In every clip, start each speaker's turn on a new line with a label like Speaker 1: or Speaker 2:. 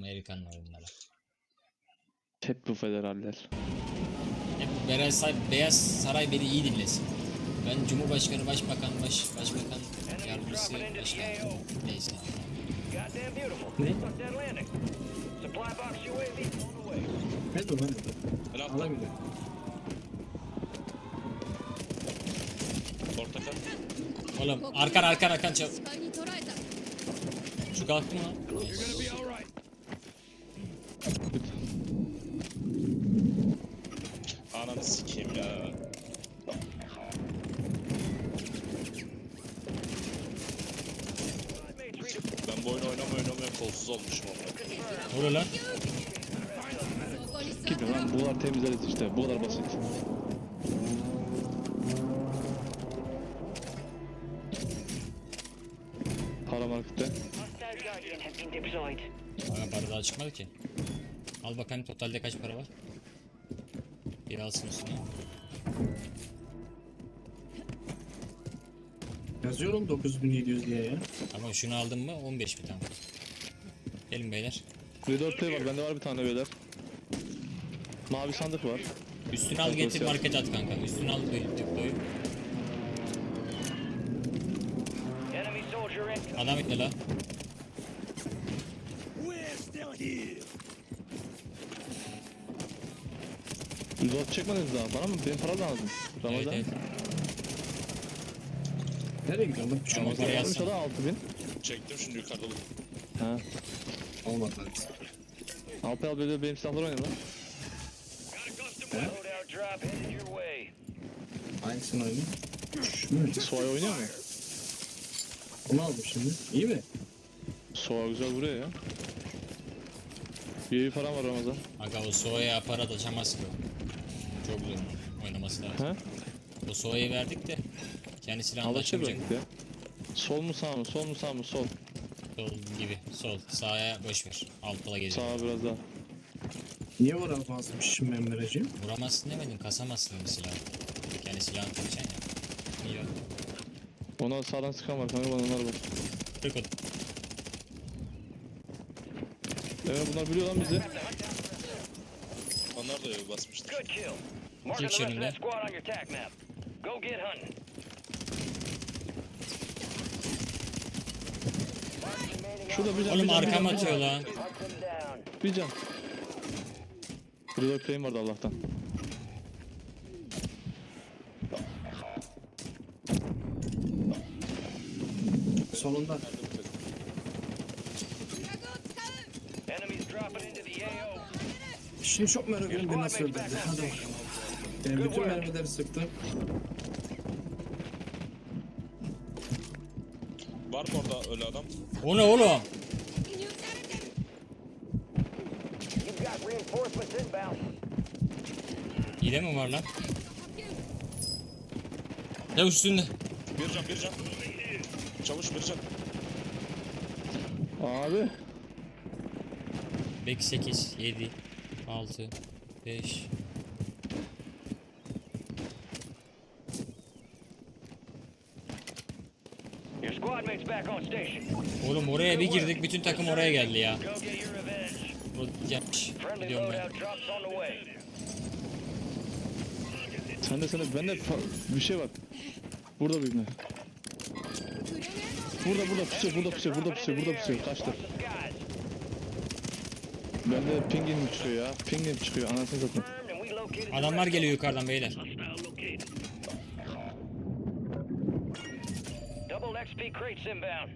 Speaker 1: Amerikan oyunları.
Speaker 2: Hep bu federaller.
Speaker 1: Hep Beyaz Saray beni iyi dinlesin. Ben Cumhurbaşkanı, Başbakan, Başbakan Yardımcısı, Başkan. Neyse.
Speaker 3: Ne?
Speaker 4: Ne dur lan?
Speaker 3: Helal.
Speaker 4: Alabilir.
Speaker 3: Portakal.
Speaker 1: Oğlum arkan çabuk.
Speaker 5: 視界に捉えた
Speaker 1: Şu kalktı mı lan?
Speaker 3: Ananı sikeyim ya. Ben bu oyunu oynamaya kolsuz olmuşum ama.
Speaker 1: Ne oluyor lan?
Speaker 5: そこに座
Speaker 2: Gibi lan buralar temizleriz işte. Bu kadar basit. Para markette.
Speaker 6: Hostile Guardian has been deployed.
Speaker 1: Bana para daha çıkmadı ki. Al bakalım totalde kaç para var. Bir alsın üstüne.
Speaker 4: Yazıyorum 9700 diye ya.
Speaker 1: Ama şunu aldım mı 15 bir tane. Gelin beyler.
Speaker 2: V4 Play var. Bende var bir tane beyler. Mavi sandık var.
Speaker 1: Üstünü al getir market at kanka. Üstünü al deploy.
Speaker 6: Enemy soldier in.
Speaker 1: Adam itti la.
Speaker 2: V4 çekmediniz daha. Bana mı? Benim para lazım.
Speaker 1: Evet
Speaker 2: Ramazan.
Speaker 1: evet.
Speaker 4: Nereye gidiyorsun? Bak bir şey
Speaker 1: Ama
Speaker 4: olmaz.
Speaker 1: parayı
Speaker 2: Varmış
Speaker 1: alsana.
Speaker 2: da 6000.
Speaker 3: Çektim şimdi yukarıda buldum.
Speaker 2: Ha.
Speaker 4: Olmadı lan.
Speaker 2: Alpay al böyle benim silahlar oynadı lan.
Speaker 6: Loadout drop headed your way.
Speaker 4: Hangisini oynayayım? Şu mu?
Speaker 2: Soğay oynuyor mu?
Speaker 4: Onu aldım şimdi. İyi mi?
Speaker 2: Soğay güzel vuruyor ya. Bir falan var Ramazan.
Speaker 1: Aga o Soğa'ya para da açamaz ki o. Çok zor oynaması lazım.
Speaker 2: Ha?
Speaker 1: O Soğa'yı verdik de kendi silahını da
Speaker 2: Alışır
Speaker 1: açamayacak.
Speaker 2: belki ya. Sol mu sağ mı? Sol mu sağ mı? Sol.
Speaker 1: Sol gibi. Sol. Sağa boş ver. Altta geziyor.
Speaker 2: Sağa biraz daha.
Speaker 4: Niye vuramazmış şimdi ben vereceğim?
Speaker 1: Vuramazsın demedim. Kasamazsın bir silah. Kendi silahını tutacaksın ya. İyi bak.
Speaker 2: Ona sağdan sıkan var kanka bana onlar var.
Speaker 1: Kırk ot.
Speaker 2: Evet bunlar biliyor lan bizi.
Speaker 3: Onlar da basmıştır.
Speaker 6: Good kill. Marking the rest of that squad on your attack map. Go get hunting.
Speaker 2: Şurada bir can.
Speaker 1: Oğlum
Speaker 2: bir can, bir
Speaker 1: arkam
Speaker 2: can,
Speaker 1: atıyor lan.
Speaker 6: Hunt them down.
Speaker 2: Bir can. Burada play'im vardı Allah'tan.
Speaker 4: Solunda.
Speaker 6: Enemies dropping into the AO.
Speaker 4: Şimdi çok merak ediyorum beni nasıl öldürdü. Hadi bakalım. Bütün mermileri sıktı.
Speaker 3: Var mı orada öyle adam?
Speaker 1: O ne oğlum?
Speaker 5: 記入されてる
Speaker 6: You've got reinforcements inbound.
Speaker 1: Hile mi var lan? Ne üstünde?
Speaker 3: Bir can. Çavuş bir can.
Speaker 2: Abi.
Speaker 1: Belki 8, 7, 6, 5.
Speaker 6: Your squad mates back on station.
Speaker 1: Oğlum oraya bir girdik bütün takım oraya geldi ya.
Speaker 6: Go get your revenge.
Speaker 1: O yapmış.
Speaker 6: Friendly
Speaker 1: Gidiyorum ben.
Speaker 6: loadout drops on the way.
Speaker 2: Bende bir şey var. Burada bir ne? Burada pusuyor. Kaçtı.
Speaker 6: Watch the skies.
Speaker 2: Bende pingin çıkıyor ya. Pingin çıkıyor. Anasını satayım.
Speaker 6: Confirmed and we located the
Speaker 1: Adamlar
Speaker 6: rest.
Speaker 1: geliyor yukarıdan beyler.
Speaker 6: Double XP crates inbound.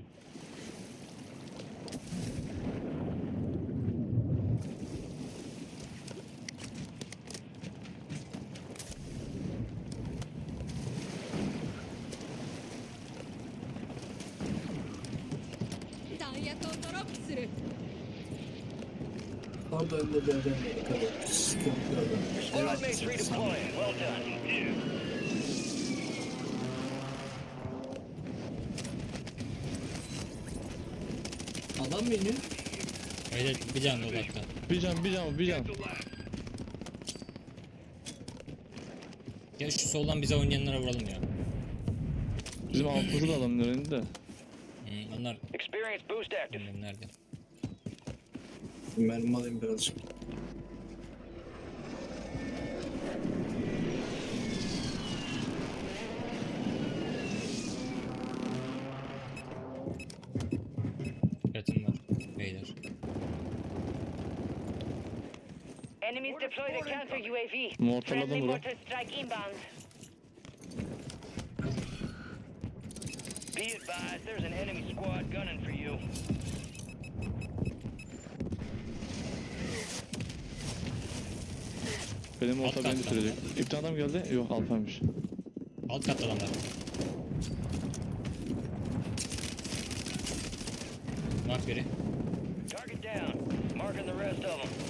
Speaker 4: Orada önde bir adam var. Tabii. Sıkıntı adam.
Speaker 6: Squad mates redeploying. Well done.
Speaker 4: Adam mı iniyor?
Speaker 1: Öyle bir can odakta.
Speaker 2: Bir can.
Speaker 1: Ya şu soldan bize oynayanlara vuralım ya.
Speaker 2: Bizim altımızda da adamın önünde de.
Speaker 1: Onlar
Speaker 6: Experience boost active.
Speaker 1: bilmem nerede.
Speaker 4: Mermi alayım birazcık.
Speaker 1: Dikkatim var beyler.
Speaker 6: Enemies deploy the counter UAV.
Speaker 2: Mortarladım
Speaker 6: Friendly
Speaker 2: bura.
Speaker 6: mortar strike inbound. Be advised, there's an enemy squad gunning for you.
Speaker 2: Benim mortar
Speaker 1: Alt
Speaker 2: beni
Speaker 1: katta.
Speaker 2: bitirecek. İptal adam geldi. Yok Alper'miş.
Speaker 1: Alt katta adamlar. Mark biri.
Speaker 6: Target down. Marking the rest of them.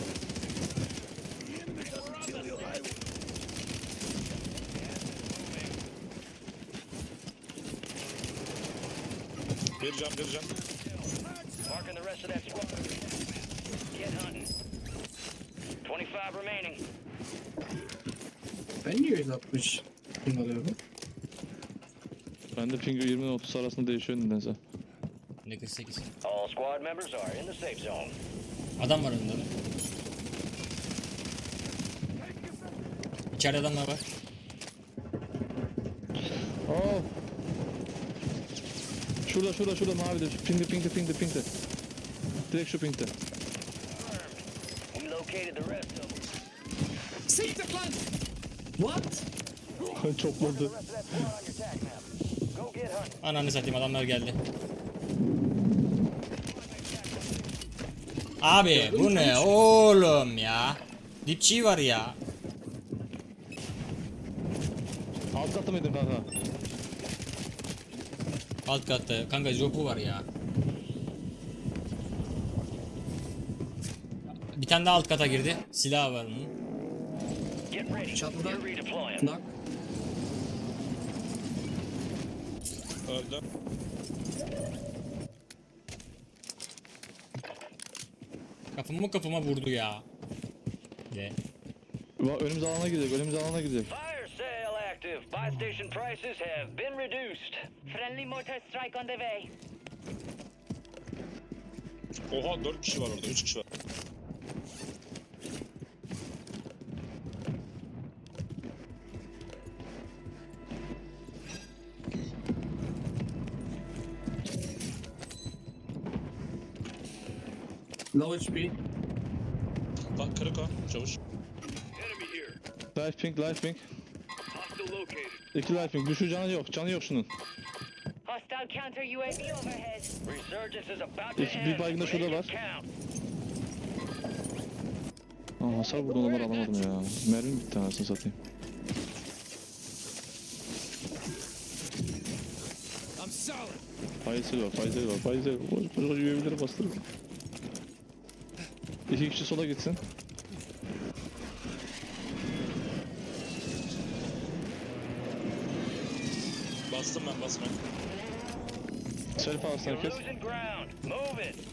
Speaker 3: Bir can.
Speaker 6: Marking the rest of that squad. Get hunting. 25 remaining.
Speaker 4: Ben niye 160 ping alıyorum?
Speaker 2: Ben de ping 20 ile 30 arasında değişiyor nedense.
Speaker 1: Ne 48.
Speaker 6: All squad members are in the safe zone.
Speaker 1: Adam var önünde de. İçeride adamlar var.
Speaker 2: Oh. Şurada mavide. Pingde. Direkt şu pingde.
Speaker 6: We located the rest of them.
Speaker 4: Siktir lan! What?
Speaker 2: Çokladı.
Speaker 6: The rest of that squad on your tac map. Go get hunting.
Speaker 1: Ananı satayım adamlar geldi. Abi bu ne oğlum ya? Dipçiği var ya.
Speaker 2: Alt katı mıydın kanka?
Speaker 1: Alt katta kanka jopu var ya. Bir tane daha alt kata girdi. Silah var onun.
Speaker 6: Get ready.
Speaker 4: Çatıda.
Speaker 6: You're redeploying.
Speaker 4: Knock.
Speaker 3: Öldü.
Speaker 1: Kafama vurdu ya. De.
Speaker 2: Önümüz alana gidecek.
Speaker 6: Fire sale active. Buy station prices have been reduced. Friendly mortar strike on the way.
Speaker 3: Oha 4 kişi var orada, 3 kişi var.
Speaker 4: Low HP.
Speaker 3: Bak kırık o, çavuş.
Speaker 2: Life ping. 2 life ping. Düşü canı yok şunun.
Speaker 6: Hostile counter UAV overhead. Resurgence is about to
Speaker 2: Bir
Speaker 6: end.
Speaker 2: baygın da şurada
Speaker 6: Make
Speaker 2: var.
Speaker 6: it count.
Speaker 2: Aa, hasar vurdu onları alamadım ya. Mermim bitti anasını satayım. Faysal var. Koş üyeleri bastırın. 2 kişi sola gitsin.
Speaker 3: Bastım ben.
Speaker 2: Selfie alsın
Speaker 6: You're
Speaker 2: herkes.
Speaker 6: losing ground. Move it.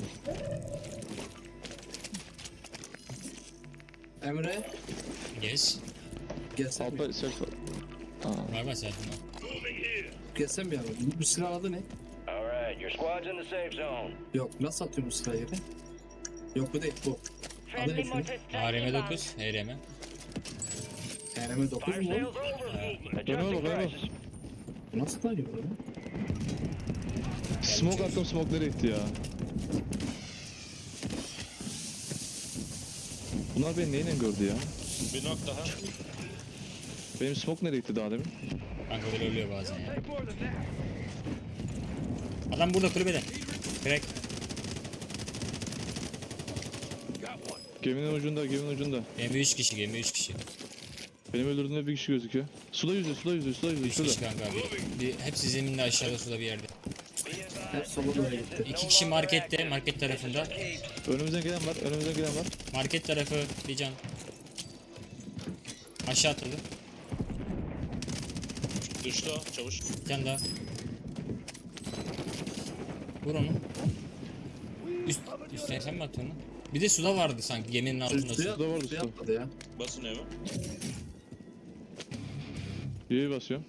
Speaker 4: Emre.
Speaker 1: Yes.
Speaker 4: Gelsene.
Speaker 2: Alper selfie. Aa,
Speaker 1: Var zaten.
Speaker 4: Gelsene bir yana. Bu silah adı ne?
Speaker 6: All right, your squad's in the safe zone.
Speaker 4: Yok. Nasıl atıyorum bu silahı yere? Yok bu değil bu.
Speaker 6: Friendly
Speaker 4: Adı ne?
Speaker 6: mortar strike
Speaker 1: ARM
Speaker 6: inbound.
Speaker 1: 9, HRM.
Speaker 4: TRM 9
Speaker 6: Fire
Speaker 4: mu?
Speaker 6: sales over.
Speaker 2: Dönüyor
Speaker 6: Adjusting
Speaker 2: bak,
Speaker 6: prices.
Speaker 4: Nasıl da yiyor lan?
Speaker 2: smoke attım, smoke nereye gitti ya? Bunlar beni neyle gördü ya?
Speaker 3: Bir nok daha.
Speaker 2: Benim smoke nereye gitti daha demin?
Speaker 1: Kanka böyle ölüyor bazen ya. Adam burada kulübede. Crack.
Speaker 2: Geminin ucunda.
Speaker 1: Gemi 3 kişi.
Speaker 2: Benim öldürdüğümde bir kişi gözüküyor. Suda yüzüyor.
Speaker 1: 3
Speaker 2: Şurada.
Speaker 1: kişi kanka abi. Hepsi zeminde aşağıda suda bir yerde.
Speaker 4: Hep sola doğru gitti.
Speaker 1: 2 kişi markette, market tarafında.
Speaker 2: Önümüzden gelen var.
Speaker 1: Market tarafı bir can. Aşağı atıldı.
Speaker 3: Düştü o, çavuş.
Speaker 1: Bir tane daha. Vur onu. Üstte sen mi atıyorsun lan? Bir de suda vardı sanki geminin altında.
Speaker 4: Suya
Speaker 2: Suda vardı,
Speaker 4: suya
Speaker 2: suda.
Speaker 4: atladı ya.
Speaker 3: Basın evi.
Speaker 2: Y'ye basıyorum.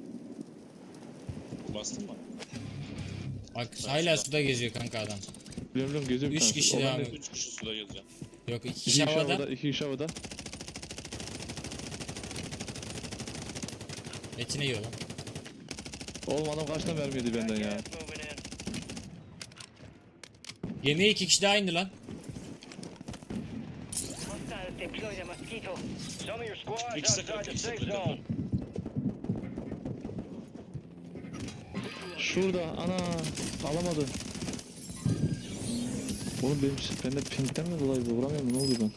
Speaker 3: Bastın mı?
Speaker 1: Bak hala suda geziyor kanka adam.
Speaker 2: Biliyorum geziyor bir
Speaker 1: 3
Speaker 2: tanesi.
Speaker 1: kişi
Speaker 2: O
Speaker 1: devam
Speaker 2: bende.
Speaker 1: ediyor.
Speaker 3: 3 kişi suda geziyor.
Speaker 1: Yok 2
Speaker 2: İki
Speaker 1: kişi
Speaker 2: kişi
Speaker 1: havada.
Speaker 2: havada. 2 kişi havada.
Speaker 1: Etini yiyor lan.
Speaker 2: Oğlum adam kaç tane mermi yedi benden ya.
Speaker 6: Gas moving in.
Speaker 1: Gemiye 2 kişi daha indi lan.
Speaker 6: Hostiles deploy the mosquito. Some of your squads
Speaker 3: İkisi de
Speaker 6: outside
Speaker 3: kırık,
Speaker 6: the
Speaker 3: ikisi de
Speaker 6: safe
Speaker 3: kırık.
Speaker 6: zone.
Speaker 2: Şurada ana alamadı. Oğlum benim bende pinkten mi dolayı bu vuramıyorum ne oluyor ben?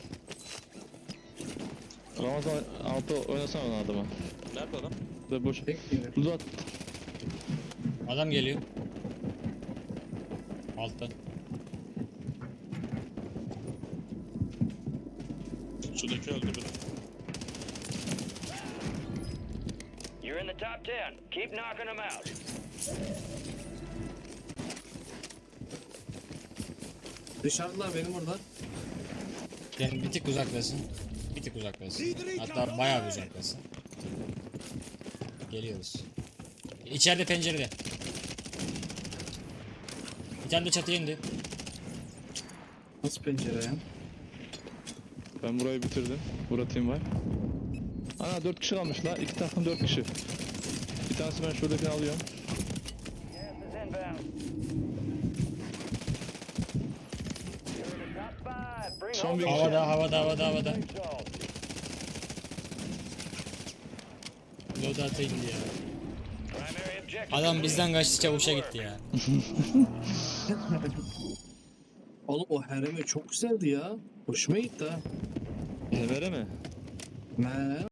Speaker 2: Ramazan altı oynasana onu adama.
Speaker 3: Nerede adam?
Speaker 2: Ve boş.
Speaker 4: Tek gelir.
Speaker 2: Uzat.
Speaker 1: Adam geliyor. Altta.
Speaker 3: Sudaki öldü biri.
Speaker 6: You're in the top 10. Keep knocking them out.
Speaker 4: Dışarıdalar benim orada.
Speaker 1: Yani bir tık uzaklasın. Bir tık uzaklasın. Hatta bayağı bir uzaklasın. Geliyoruz. İçeride pencerede. Bir tane de çatıya indi.
Speaker 4: Nasıl pencere ya?
Speaker 2: Ben burayı bitirdim. Burada team var. Ana 4 kişi kalmış la. 2 takım 4 kişi. Bir tanesi ben şuradakini alıyorum.
Speaker 6: Gas is inbound. You're in the top 5. Bring
Speaker 2: Son
Speaker 6: home
Speaker 2: bir
Speaker 6: the
Speaker 2: kişi.
Speaker 1: Havada.
Speaker 6: safe zone.
Speaker 1: Loadout'a indi ya.
Speaker 6: Primary objective.
Speaker 1: Adam bizden kaçtı çavuşa gitti ya.
Speaker 4: Oğlum o haremi çok güzeldi ya. Hoşuma gitti ha.
Speaker 2: Evere mi?
Speaker 4: Ne?